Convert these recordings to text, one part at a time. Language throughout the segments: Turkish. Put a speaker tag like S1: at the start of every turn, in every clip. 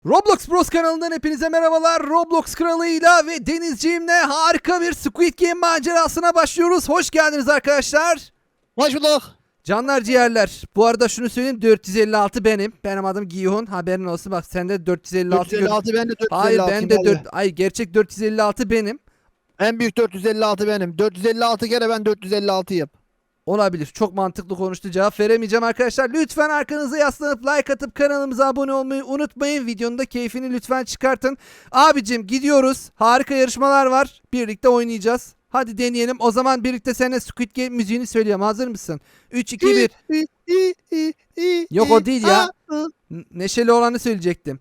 S1: Roblox Bros kanalından hepinize merhabalar. Roblox kralıyla ve Denizciğimle harika bir Squid Game macerasına başlıyoruz. Hoş geldiniz arkadaşlar.
S2: Hoş bulduk.
S1: Canlar ciğerler. Bu arada şunu söyleyeyim, 456 benim. Benim adım Giyhun. Haberin olsun, bak sende 456.
S2: 456 ben de 456.
S1: Hayır, ben de 4. Ay, gerçek 456 benim.
S2: En büyük 456 benim. 456 kere ben 456'yım.
S1: Olabilir. Çok mantıklı konuştu. Cevap veremeyeceğim arkadaşlar. Lütfen arkanıza yaslanıp like atıp kanalımıza abone olmayı unutmayın. Videonun da keyfini lütfen çıkartın. Abicim gidiyoruz. Harika yarışmalar var. Birlikte oynayacağız. Hadi deneyelim. O zaman birlikte seninle Squid Game müziğini söyleyeyim. Hazır mısın? 3, 2, 1. Yok, o değil ya. Neşeli olanı söyleyecektim.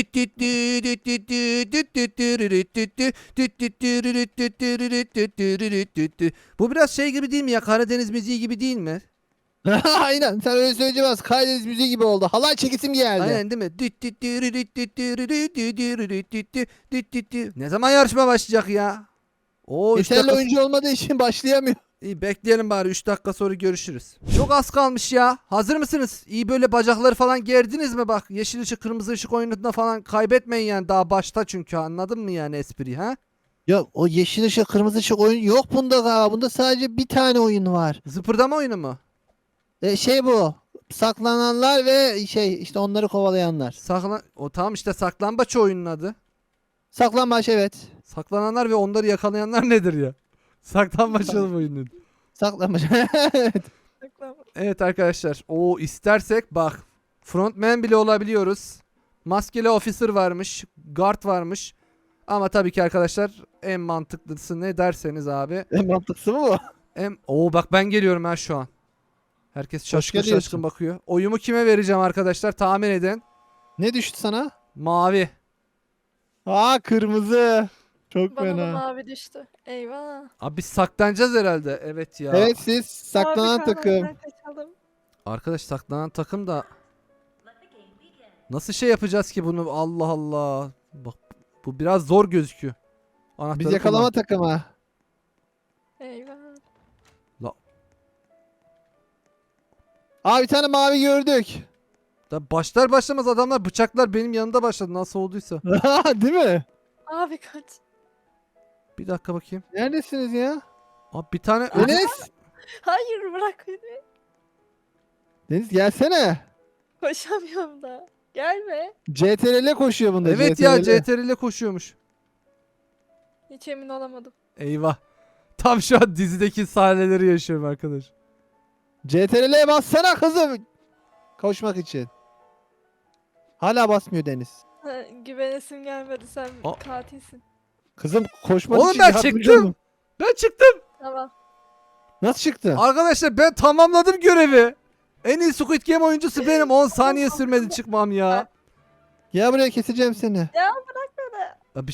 S1: Bu biraz şey gibi değil mi ya? Karadeniz müziği gibi değil mi?
S2: Aynen, sen öyle söyleyemez. Kaydediz müziği gibi oldu. Halay çekisim geldi.
S1: Aynen değil mi? Ne zaman yarışma başlayacak ya? Oo, 3
S2: Yeterli
S1: dakika.
S2: oyuncu olmadığı için başlayamıyor.
S1: İyi, bekleyelim bari, 3 dakika sonra görüşürüz. Çok az kalmış ya. Hazır mısınız? İyi, böyle bacakları falan gerdiniz mi bak? Yeşil ışık kırmızı ışık oyununda falan kaybetmeyin yani, daha başta çünkü, anladın mı yani espriyi, ha?
S2: Ya o yeşil ışık kırmızı ışık oyun yok bunda galiba. Bunda sadece bir tane oyun var.
S1: Zıpırdama oyunu mu?
S2: Bu. Saklananlar ve işte onları kovalayanlar.
S1: O tamam işte, saklambaç oyunun adı.
S2: Saklambaç, evet.
S1: Saklananlar ve onları yakalayanlar nedir ya? Saklambaç oyunu.
S2: Saklambaç.
S1: Evet arkadaşlar. O istersek bak, frontman bile olabiliyoruz. Maskeli officer varmış. Guard varmış. Ama tabii ki arkadaşlar, en mantıklısı ne derseniz abi.
S2: En mantıklısı mı bu?
S1: Bak, ben geliyorum ha şu an. Herkes şaşkın
S2: geliyorsun.
S1: şaşkın bakıyor. Oyumu kime vereceğim arkadaşlar, tahmin edin.
S2: Ne düştü sana?
S1: Mavi.
S2: Aa, kırmızı. Çok
S3: Bana da
S2: fena.
S3: mavi düştü. Eyvah.
S1: Abi biz saklanacağız herhalde. Evet ya.
S2: Evet, siz saklanan
S3: Mavi
S2: takım.
S3: kahramandan kaçalım.
S1: Arkadaş, saklanan takım da nasıl şey yapacağız ki bunu? Allah Allah. Bak, bu biraz zor gözüküyor. Anahtarı
S2: Biz yakalama
S1: kullan.
S2: takımı.
S3: Eyvah.
S2: Aa, bir tane mavi gördük.
S1: Da başlar başlamaz adamlar bıçaklar benim yanımda başladı, nasıl olduysa.
S2: Değil mi?
S3: Abi kaç.
S1: Bir dakika bakayım.
S2: Neredesiniz ya?
S1: Abi bir tane
S2: Deniz.
S3: Hayır, bırak beni.
S2: Deniz, gelsene.
S3: Koşamıyorum da. Gelme.
S2: CTRL koşuyor bunda.
S1: Evet ya, CTRL ile koşuyormuş.
S3: Hiç emin olamadım.
S1: Eyvah. Tam şu an dizideki sahneleri yaşıyorum arkadaş.
S2: CTRL'ye bassana kızım. Koşmak için. Hala basmıyor Deniz.
S3: Ha, güvenesim gelmedi, sen
S1: Aa.
S3: katilsin.
S2: Kızım, koşmak
S1: Oğlum
S2: için
S1: ben
S2: yardımcı
S1: çıktım.
S2: olun.
S1: Ben çıktım.
S3: Tamam.
S2: Nasıl çıktı?
S1: Arkadaşlar ben tamamladım görevi. En iyi Squid Game oyuncusu benim. 10 saniye sürmedi çıkmam ya.
S2: Gel buraya, keseceğim seni.
S3: Ya bırak beni.
S1: Ya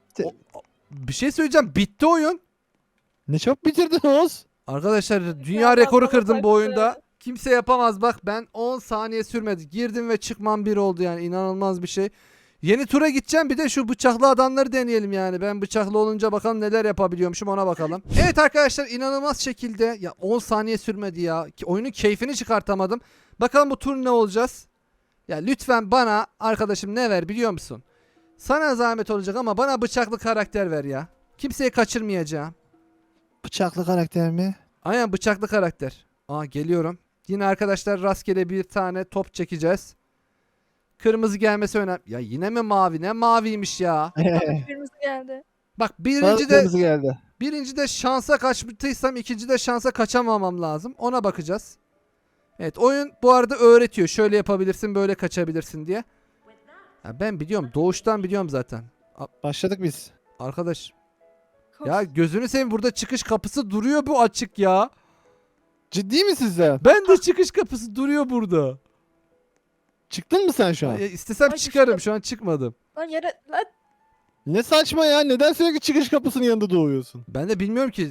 S1: bir şey söyleyeceğim. Bitti oyun.
S2: Ne çok bitirdin Oğuz.
S1: Arkadaşlar dünya
S3: Ya
S1: rekoru
S3: bana
S1: kırdım bu
S3: taktı.
S1: oyunda. Kimse yapamaz bak, ben 10 saniye sürmedi. Girdim ve çıkmam bir oldu yani, inanılmaz bir şey. Yeni tura gideceğim, bir de şu bıçaklı adamları deneyelim yani. Ben bıçaklı olunca bakalım neler yapabiliyormuşum, ona bakalım. Evet arkadaşlar, inanılmaz şekilde ya 10 saniye sürmedi ya. Oyunun keyfini çıkartamadım. Bakalım bu tur ne olacağız? Ya lütfen bana arkadaşım ne ver biliyor musun? Sana zahmet olacak ama bana bıçaklı karakter ver ya. Kimseyi kaçırmayacağım.
S2: Bıçaklı karakter mi?
S1: Aynen, bıçaklı karakter. Aa, geliyorum. Yine arkadaşlar rastgele bir tane top çekeceğiz. Kırmızı gelmesi önemli. Ya yine mi mavi? Ne maviymiş ya.
S3: Bana kırmızı geldi.
S1: Bak,
S2: Bana kırmızı geldi.
S1: birinci de şansa kaçtıysam ikinci de şansa kaçamamam lazım. Ona bakacağız. Evet, oyun bu arada öğretiyor. Şöyle yapabilirsin, böyle kaçabilirsin diye. Ya ben biliyorum. Doğuştan biliyorum zaten.
S2: Başladık biz.
S1: Arkadaş.
S3: Koş.
S1: Ya gözünü seveyim, burada çıkış kapısı duruyor, bu açık ya.
S2: Ciddi misin sen?
S1: Ben de çıkış kapısı duruyor burada.
S2: Çıktın mı sen şu an?
S1: Ya istesem
S3: Ay,
S1: çıkarım,
S3: düştüm.
S1: şu an çıkmadım.
S3: Lan yere lan.
S2: Ne saçma ya. Neden sürekli çıkış kapısının yanında doğuyorsun?
S1: Ben de bilmiyorum ki.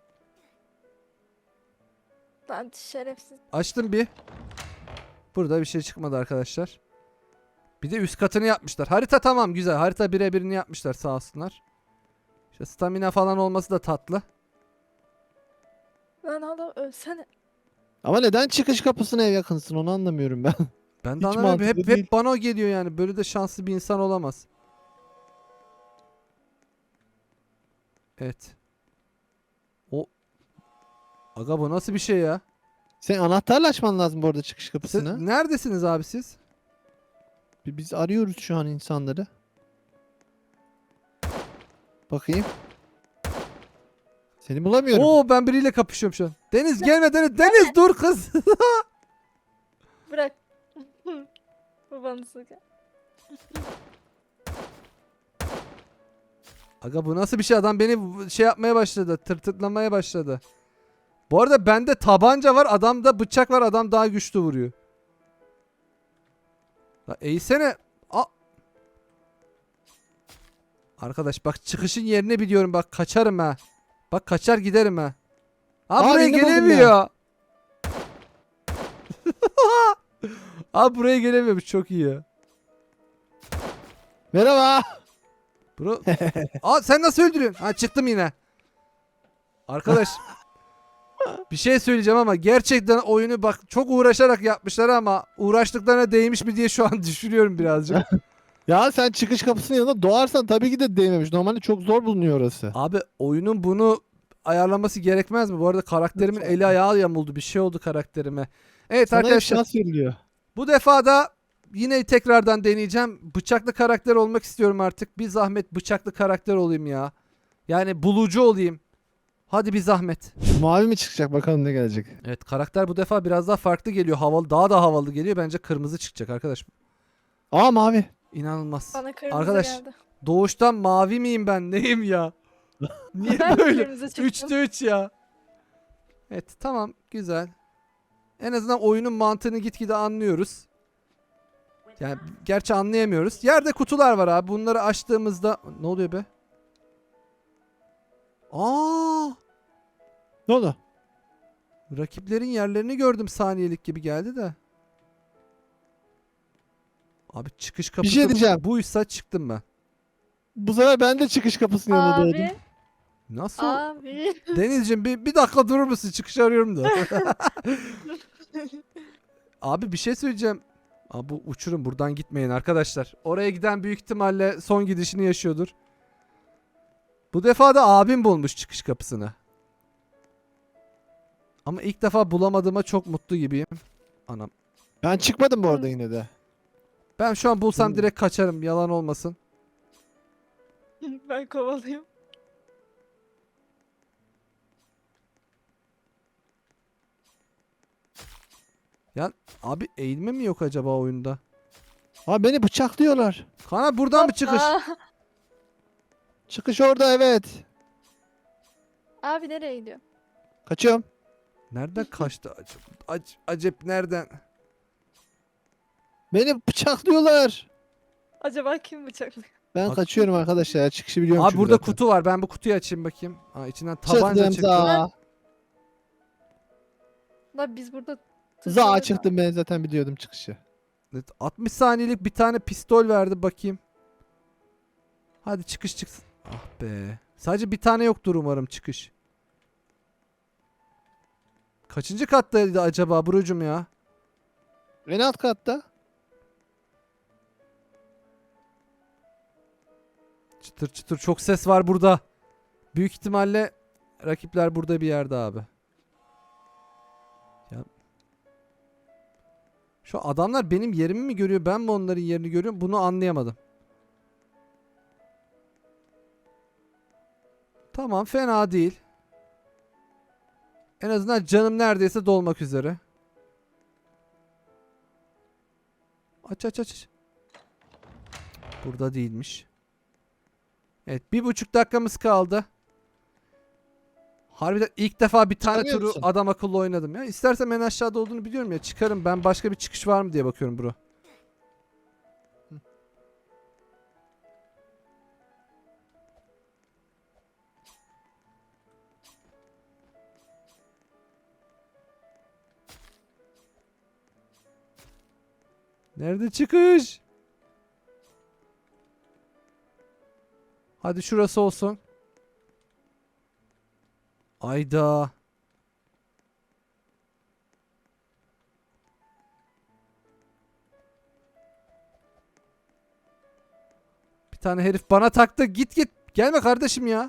S3: Lan şerefsiz.
S1: Açtım bir. Burada bir şey çıkmadı arkadaşlar. Bir de üst katını yapmışlar. Harita tamam, güzel. Harita birebirini yapmışlar, sağ olsunlar. İşte stamina falan olması da tatlı.
S3: Lan oğlum ölsene.
S2: Ama neden çıkış kapısına ev yakınsın, onu anlamıyorum ben.
S1: Ben de
S2: Hiç
S1: anlamıyorum.
S2: mantıklı
S1: Hep
S2: değil.
S1: bana o geliyor yani. Böyle de şanslı bir insan olamaz. Evet. O aga bu nasıl bir şey ya?
S2: Sen anahtarla açman lazım bu arada çıkış
S1: Siz,
S2: kapısını.
S1: neredesiniz abi siz?
S2: Biz arıyoruz şu an insanları. Bakayım. Seni bulamıyorum.
S1: Oo ben biriyle kapışıyorum şu an. Deniz gelme Deniz. Deniz dur kız.
S3: Bırak. Bu bana sıkı.
S1: Aga bu nasıl bir şey? Adam beni şey yapmaya başladı. Tırtıklamaya başladı. Bu arada bende tabanca var. Adamda bıçak var. Adam daha güçlü vuruyor. La eğsene. Arkadaş bak çıkışın yerini biliyorum. Bak kaçarım ha. Bak kaçar giderim ha. Buraya
S2: birini buldum
S1: gelemiyor. Buraya gelemiyormuş. Çok iyi ya.
S2: Merhaba.
S1: Bro. Sen nasıl öldürüyorsun? Çıktım yine. Arkadaş. Bir şey söyleyeceğim ama gerçekten oyunu bak çok uğraşarak yapmışlar ama uğraştıklarına değmiş mi diye şu an düşünüyorum birazcık.
S2: Ya sen çıkış kapısının yanında doğarsan tabii ki de değmemiş. Normalde çok zor bulunuyor orası.
S1: Abi oyunun bunu ayarlaması gerekmez mi? Bu arada karakterimin eli ayağı yamuldu. Bir şey oldu karakterime. Evet
S2: Sana bir
S1: arkadaşlar
S2: şans veriliyor.
S1: bu defa da yine tekrardan deneyeceğim. Bıçaklı karakter olmak istiyorum artık. Bir zahmet bıçaklı karakter olayım ya. Yani bulucu olayım. Hadi bir zahmet.
S2: Mavi mi çıkacak bakalım ne gelecek.
S1: Evet karakter bu defa biraz daha farklı geliyor. Havalı, daha da havalı geliyor. Bence kırmızı çıkacak arkadaş.
S2: Aa mavi.
S1: İnanılmaz.
S3: Bana kırmızı
S1: Arkadaş
S3: geldi.
S1: doğuştan mavi miyim ben? Neyim ya? Niye
S3: Ben de
S1: böyle?
S3: kırmızı çıktım.
S1: 3'te 3 ya. Evet tamam güzel. En azından oyunun mantığını gitgide anlıyoruz. Yani gerçi anlayamıyoruz. Yerde kutular var abi. Bunları açtığımızda ne oluyor be?
S2: Ne oldu?
S1: Rakiplerin yerlerini gördüm saniyelik gibi geldi de. Abi çıkış kapısı
S2: şey diyeceğim.
S1: buysa çıktım ben.
S2: Bu sefer ben de çıkış kapısının yanında doğdum.
S3: Abi.
S1: Nasıl?
S3: Abi.
S1: Denizciğim bir dakika durur musun? Çıkış arıyorum da. Abi bir şey söyleyeceğim. Bu uçurum buradan gitmeyin arkadaşlar. Oraya giden büyük ihtimalle son gidişini yaşıyordur. Bu defa da abim bulmuş çıkış kapısını. Ama ilk defa bulamadığıma çok mutlu gibiyim. Anam.
S2: Ben çıkmadım bu arada yine de.
S1: Ben şu an bulsam
S2: Hmm.
S1: direkt kaçarım. Yalan olmasın.
S3: Ben kovalıyım.
S1: Ya abi eğilme mi yok acaba oyunda?
S2: Aa beni bıçaklıyorlar.
S1: Kana buradan mı çıkış?
S3: Aa.
S2: Çıkış orada evet.
S3: Abi nereye gidiyor?
S2: Kaçıyorum.
S1: Nereden kaçtı? Acep nereden?
S2: Beni bıçaklıyorlar.
S3: Acaba kim bıçaklıyor?
S2: Ben
S1: Bak-
S2: kaçıyorum arkadaşlar ya. Çıkışı biliyorum
S1: Abi
S2: çünkü
S1: burada
S2: zaten.
S1: kutu var. Ben bu kutuyu açayım bakayım. İçinden tabanca
S2: Çıktım
S1: çıktı.
S2: za.
S3: La biz burada
S2: Za
S3: tırsıyoruz
S2: çıktım ben zaten biliyordum çıkışı.
S1: Evet, 60 saniyelik bir tane pistol verdi bakayım. Hadi çıkış çıksın. Ah be. Sadece bir tane yoktur umarım çıkış. Kaçıncı kattaydı acaba Burcu'm ya?
S2: En alt katta.
S1: Çıtır çıtır çok ses var burada. Büyük ihtimalle rakipler burada bir yerde abi. Ya. Şu adamlar benim yerimi mi görüyor ben mi onların yerini görüyorum bunu anlayamadım. Tamam fena değil. En azından canım neredeyse dolmak üzere. Aç aç aç. Burada değilmiş. Evet 1,5 dakikamız kaldı. Harbiden ilk defa bir tane
S2: Çıkamıyor
S1: turu
S2: musun?
S1: adam akıllı oynadım ya. İstersem en aşağıda olduğunu biliyorum ya. Çıkarım ben başka bir çıkış var mı diye bakıyorum bro. Nerede çıkış? Hadi şurası olsun. Ayda. tane herif bana taktı. Git git. Gelme kardeşim ya.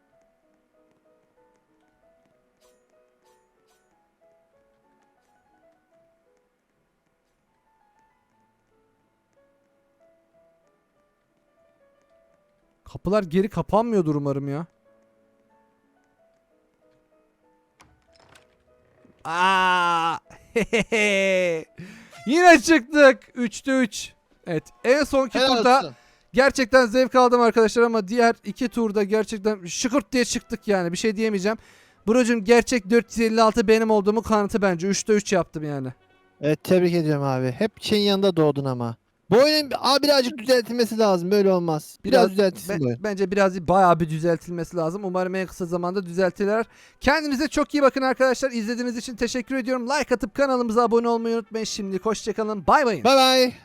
S1: Kapılar geri kapanmıyordur umarım ya. Aa! Yine çıktık. 3'te 3. Evet. En sonki
S2: Helal
S1: turda
S2: olsun.
S1: gerçekten zevk aldım arkadaşlar ama diğer iki turda gerçekten şıkırt diye çıktık yani. Bir şey diyemeyeceğim. Brocum gerçek 456 benim olduğumu kanıtı bence. 3'te 3 yaptım yani.
S2: Evet tebrik ediyorum abi. Hep şeyin yanında doğdun ama. Bu oyunun birazcık düzeltilmesi lazım. Böyle olmaz. Biraz düzeltilsin bu oyun.
S1: Bence biraz bayağı bir düzeltilmesi lazım. Umarım en kısa zamanda düzeltirler. Kendinize çok iyi bakın arkadaşlar. İzlediğiniz için teşekkür ediyorum. Like atıp kanalımıza abone olmayı unutmayın. Şimdilik hoşçakalın. Bay bay.
S2: Bye bye.